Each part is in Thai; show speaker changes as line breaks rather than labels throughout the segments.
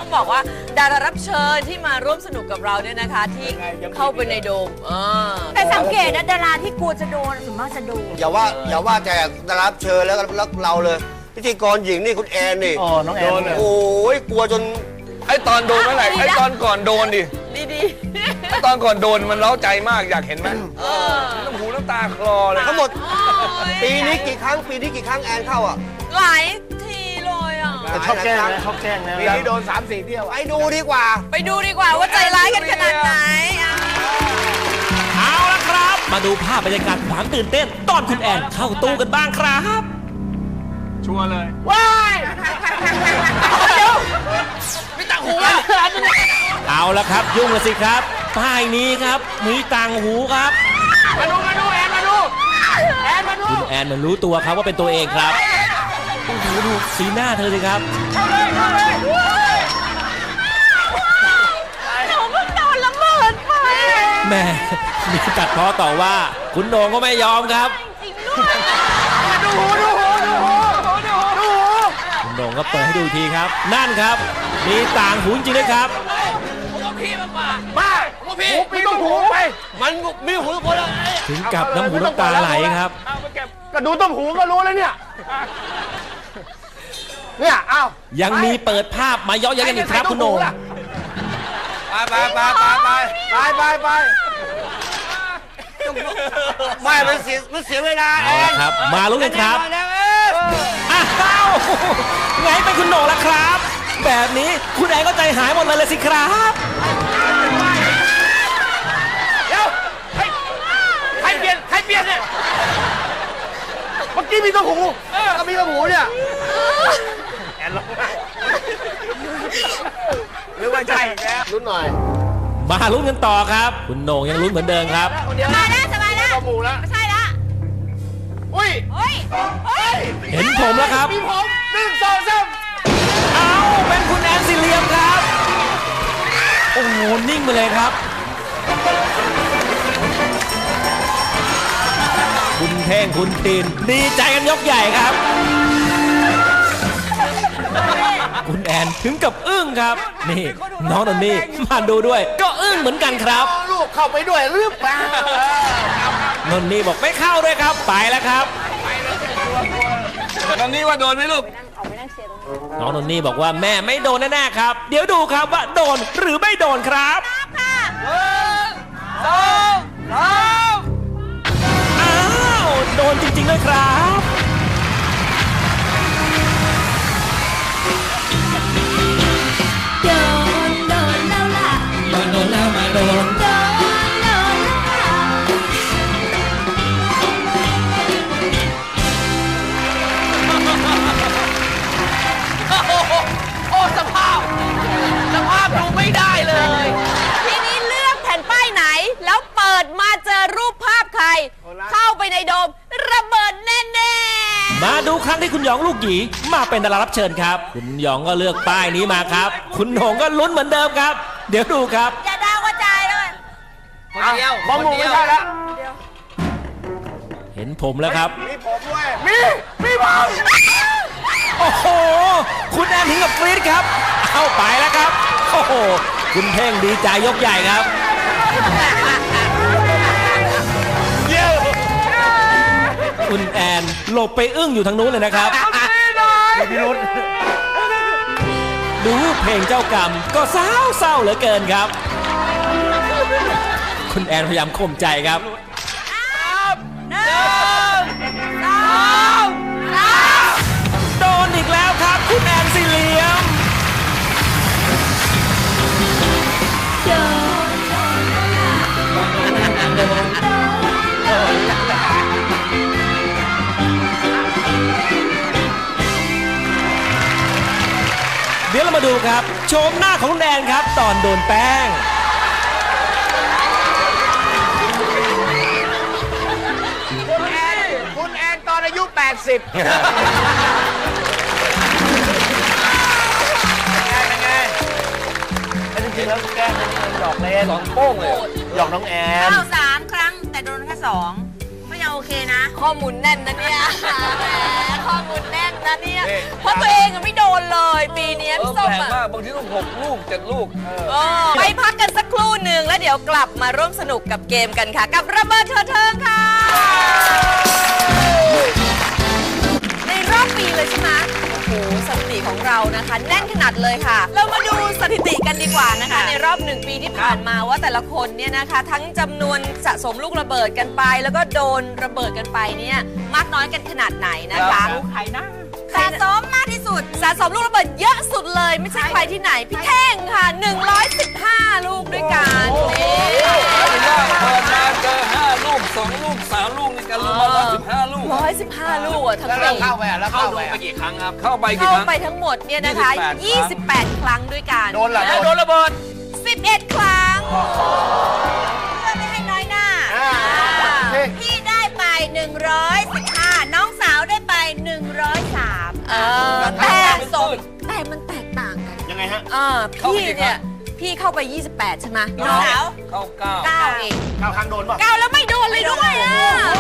ต้องบอกว่าดารารับเชิญที่มาร่วมสนุกกับเราเนี่ยนะคะ ที่เข้าไปในโดม
แต่สังเกตนะดาราที่กลัวจะโดนส่วนมากจะโดน
อย่าว่าแต่ดารารับเชิญแล้วเราเลยพิธีกรหญิงนี่คุณแอนนี่
น้องแอน
โอ้ยกลัวจน
ไอตอนโดนเมื่อไหร่ไอตอนก่อนโดนดิ
ดี
ตอนก่อนโดนมันเล้าใจมากอยากเห็นไหมน้ำหูน้ำตาคลอเลย
ทั้งหมดปีนี้กี่ครั้งแอนเข้าอ่ะ
หลายทีเลยอ่ะ
แต่ชอบแกล้งนะชอบแกล้งนะ
ปีนี้โดน 3-4 เที่ยว
ไปดูดีกว่า
ว่าใจร้ายกันขนาดไหน
เอาละครับ มาดูภาพบรรยากาศความตื่นเต้นตอนคุณแอนเข้าตู้กันบ้างครับ
ชัวร์เลย
ว้าย
ไม่ตังหูอ่ะ
เอาละครับยุ่งละสิครับป้ายนี้ครับมีต่างหูครับ
มาดูแอนมาดู
คุณแอนมันรู้ตัวครับว่าเป็นตัวเองครับโอ้โหดูสีหน้าเธอสิครับ
เข้าเลย
หนูเพิ่งโดนระเบิดไป
แม่มีตัดพ้อต่อว่าคุณโหน่งก็ไม่ยอมครับคุณโหน่งก็เปิดให้ดูอีกทีครับ นั่นครับมีต่างหูจริงด้วยครับ
พี่ต้องหูไป
มันมีหูทุกคนแล้ว
ถึงกับน้ำหูน้ำตาไหลครับ
ก็ดูต้มหูก็รู้แล้วเนี่ยอ้าว
ยังมีเปิดภาพมาเย้อยๆกันอีกครับคุณโหน่ง
ไป
ไม่มันเสียเวลา
เอาละครับมาลุ้นกันครับ
แล้ว
อ้าวไงเป็นคุณโหน่งล่ะครับ แบบนี้คุณแอนก็ใจหายหมดเลยสิครับ
เดี๋ยวใครเปลี่ยนเนี่ย
เมื่อกี้มีต้มหู
ก็มีกระหูเนี่ย
แอนลง
หรือว่าใช่แล้ว
ลุ้นหน่อย
มาลุ้นกันต่อครับ คุณโหน่งยังลุ้นเหมือนเดิมครับ
สบายแล้ว
ต้มหูแล้ว
ไม่ใช่ละ
อุ้ย
เฮ้ย
เห็นผมแล้วครับ
มีผม1 2 3
เอาเป็นคุณแอนสิเหลียมครับ โอ้โหนิ่งไปเลยครับ คุณเท่งคุณตีนดีใจกันยกใหญ่ครับ คุณแอนถึงกับอึ้งครับ นี่น้องนนนี่มาดูด้วย ก็อึ้งเหมือนกันครับ
ลูกเข้าไปด้วยหรือเปล่าน
นนี่บอกไม่เข้าด้วยครับ ไปแล้วครับ
ตอนนี้ว่าโดนไหมลูก
น้องนนนี่บอกว่าแม่ไม่โดนแน่ๆครับ เดี๋ยวดูครับว่าโดนหรือไม่โดนครับอ้าวโดนจริงๆด้วยครับ
โดนแล้วล่ะ
โดนแล้วมาโดน
โดนแล้วล่ะ
โอ้สภาพดูไม่ได้เลย ทีนี้เลือกแผ่นป้ายไหน แล้วเปิดมาเจอรูปภาพใคร เข้าไปในโดมระเบิดแน่ๆ
มาดูครั้งที่คุณหยองลูกหยีมาเป็นดารารับเชิญครับ คุณหยองก็เลือกป้ายนี้มาครับ คุณโหน่งก็ลุ้นเหมือนเดิมครับ เดี๋ยวดูครับ
อย่าดาวกระจายเลย
บอมหมูไม่ใช่แล้ว
เห็นผมแล้วครับ
มีผมด้วยมีผม
โอ้โห คุณแอนถึงกับกรี๊ดครับ เข้าไปแล้วครับ โอ้โห คุณเท่งดีใจยกใหญ่ครับ คุณแอนหลบไปอึ้งอยู่ทางนู้นเลยนะครับ
พี่รุธ
ดูเพลงเจ้ากรรมก็เศร้าเหลือเกินครับ คุณแอนพยายามข่มใจครับ โดนอีกแล้วครับ คุณแอนสิเหลียม เดี๋ยวเรามาดูครับ โฉมหน้าของคุณแอนครับ ตอนโดนแป้ง
คุณแอนตอนอายุ 80
จริงๆแล้วแกล้งนี่หยอกเล่น
2 โป้งเลย
หยอกน้องแอน
เข้า3 ครั้งแต่โดนแค่2ไม่เอา
โอเคนะ
ข้อมูลแน่นนะเนี่ยแหมข้อมูลแน่นนะเนี่ย
นี่
เพราะตัวเองอะไม่โดนเลยปีนี้
เออ
พี่ส้ม
แปลก
อะ
มากบางทีต้อง6 ลูก 7 ลูก
ไปพักกันสักครู่หนึ่งแล้วเดี๋ยวกลับมาร่วมสนุกกับเกมกันค่ะ กับระเบิดเถิดเทิงค่ะ ในรอบปีเลยใช่ไหมโอ้โหสถิติของเรานะคะ แน่นขนาดเลยค่ะ เรามาดูสถิติกันดีกว่านะคะ ในรอบ1 ปีที่ผ่านมาว่าแต่ละคนเนี่ยนะคะ ทั้งจำนวนสะสมลูกระเบิดกันไป แล้วก็โดนระเบิดกันไปเนี่ยมากน้อยกันขนาดไหนนะคะ
ใครนะ
สะสมมากที่สุด สะสมลูกระเบิดเยอะสุดเลย ไม่ใช่ใครที่ไหน พี่เท่งค่ะ 115 ลูกด้วยกันนี่
เปิดมาเจอ5 ลูก 2 ลูก 3 ลูกในการรวมมา15 ลูก
115 ลูกอะทั้ง
แล้ว
ปี
เข้าไปอ่ะแล้วเข้าไป
ไปกี่ครั้งครับ เข้าไปกี่
เข้า
ครั้ง
ไปทั้งหมดเนี่ยนะคะ 28 ครั้งด้วยกัน
โดนเหรอ
โดนระเบิด
11 ครั้ง
เพื่อไม่ให้น้อยหน้า พี่ได้ไป 115 น้องสาวได้ไป 103
แต่มันแตกต่างกัน
ยังไงฮะ
พี่เนี่ย พี่เข้าไป 28 ใช่ไหม
น้องสาว
เข้า9
9 เอง
เข้าครั้งโดนป่ะ
9แล้วไม่โดนเลยด้วยอ่ะ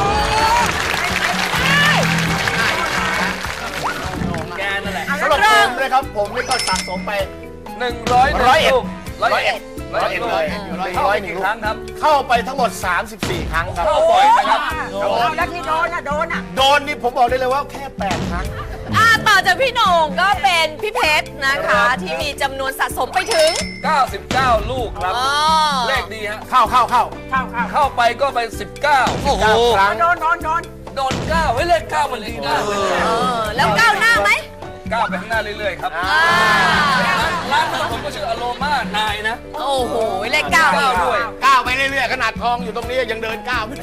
แกนั่นแหละ
สำหรับผมเลยครับ ผมนี่ก็สะสมไป
100
101
ลูก
101
101
เลย
เข้าไปกี่ครั้งครับ
เข้าไปทั้งหมด 34 ครั้งครับ
เข้าบ่อยนะครับ
โดน
แล้วที่โดนอ่ะ
โดนนี่ผมบอกได้เลยว่าแค่ 8 ครั้ง
ต่อจากพี่โหน่งก็เป็นพี่เพชรนะคะ ที่มีจำนวนสะสมไปถึง
99 ลูกครับ เลขดีฮะ เข้าไปก็ไป 19
โอ้โห
ครั้ง
โดน9เฮ้ยเลข9มันดีนะ
แล้วก้าวหน้าไหม
9ไปข้างหน้าเรื่อยๆครับร้านหนึ่งผมก็ชื่ออโรมานายนะ
โอ้โห เลขเก้า
9ด้วย
ก้าวไปเรื่อยๆขนาดทองอยู่ตรงนี้ยังเดินก้าวไม่ได้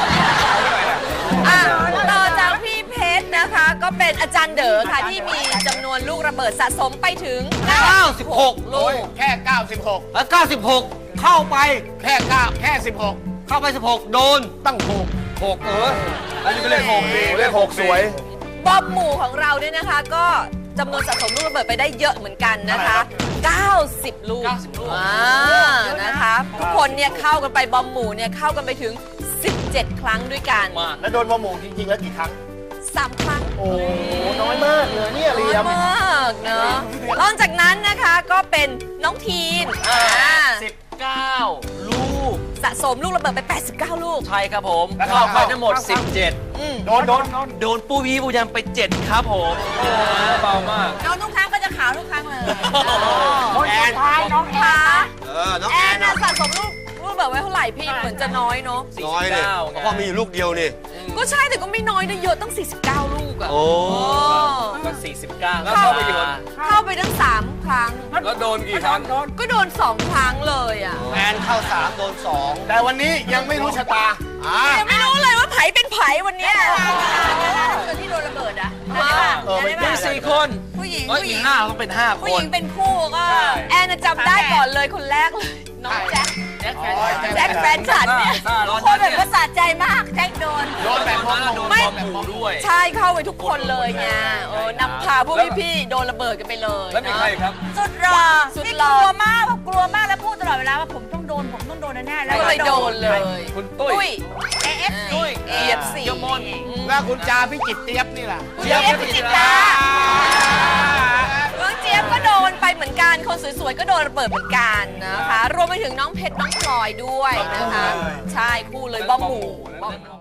ต่อจากพี่เพชรนะคะ ก็เป็นอาจารย์เด๋อค่ะ ที่มีจำนวนลูกระเบิดสะสมไปถึง
96
ลูก
แค่ 96
แล้ว96 เข้าไป
แค่9แค่ 16
เข้าไป 16 โดน
ตั้ง
6อันนี้ก็เลข6ดี
6เลข6สวย
บอมหมู่ของเราเนี่ยนะคะ ก็จำนวนสะสมลูกระเบิดไปได้เยอะเหมือนกันนะคะ 90 ลูกนะคะ ทุกคนเนี่ยเข้ากันไปบอมหมู่เนี่ยเข้ากันไปถึง 17 ครั้งด้วยกัน
แล้วโดนมาหมู่จริงๆ แล้วกี่ครั้ง
3 ครั้ง
โอ้โหน้อยมากเลยเนี่ยเห
น้
ลี่
อย
ยม
มากเนอะนอกจากนั้นนะคะก็เป็นน้องทีน
19 ลูก
สะสมลูกระเบิดไป 89 ลูก
ใช่ครับผม
แล้วก็
เข้าไปทั้งหมด
โดน
17 โดนปูวีปูยันไป 7 ครับผม
เบามาก
น้องทุกครั้งก็จะขาวทุกครั้งเลย
แอน
น้องแอน
น้อง
แอ
แอน น
น่ะสะสมลูกระเบิดไว้เท่าไหร่พี่เหมือนจะน้อยเนาะ
น้อยเลยเพราะมีอยู่ลูกเดียวนี่
ก็ใช่แต่ก็ไม่น้อยนะเยอะตั้ง 49 ลูกอะ
โอ้
ก็49
แล้วเข้าไปกี่คน
เข้าไปตั้ง 3 ครั้ง
แล้วโดนกี่ครั้ง
ก็โดน 2 ครั้งเลยอะ
แอนเข้า 3 โดน 2
แต่วันนี้ยังไม่รู้ชะตา
ยังไม่รู้เลยว่าไผเป็นไผวันเนี้ย
คนที่โดนระเบิดอ่ะ
มี4 คน
ผู้หญิง
เอ้ย
ผู้ห
อี
ญิ
ก
ง
5ต้องเป็น 5 ค
ผู้ห
น
ญิงเป็นคู่ก็
แอนน่ะจำได้ก่อนเลยคนแรกเลย น้องแจ็ค แจ็คแฟนฉันเนี่ย
ทุกคนแบบว่าสะใจมากแจ็คโดน
โดนแบบงง
โดน
ไม่
บอมหมู่ด้วย
ใช่เข้าไปทุกคนเลยไงนำพาพวกพี่ๆโดนระเบิดกันไปเลย
แล้วมีใครครับ
สุดหล่อ
สุด
นี่
หล่อ
กลัวมากแบบกลัวมากแล้วพูดตลอดเวลาว่าผมต้องโดนแน่ๆแล้ว
ก็เลยโดนเลย
คุณตุ้ย
ตุ้ย
AFC
เอียดสี
เกียวมน
แล้วคุณจาพี่จิตเตียบนี่ล่ะ
เจี๊ยบพิจิตราน้องเจี๊ยบก็โดนไปเหมือนกัน คนสวยๆก็โดนระเบิดเหมือนกันนะคะ รวมไปถึงน้องเพชรน้องพลอยด้วยนะคะ ใช่คู่เลยบอมหมู่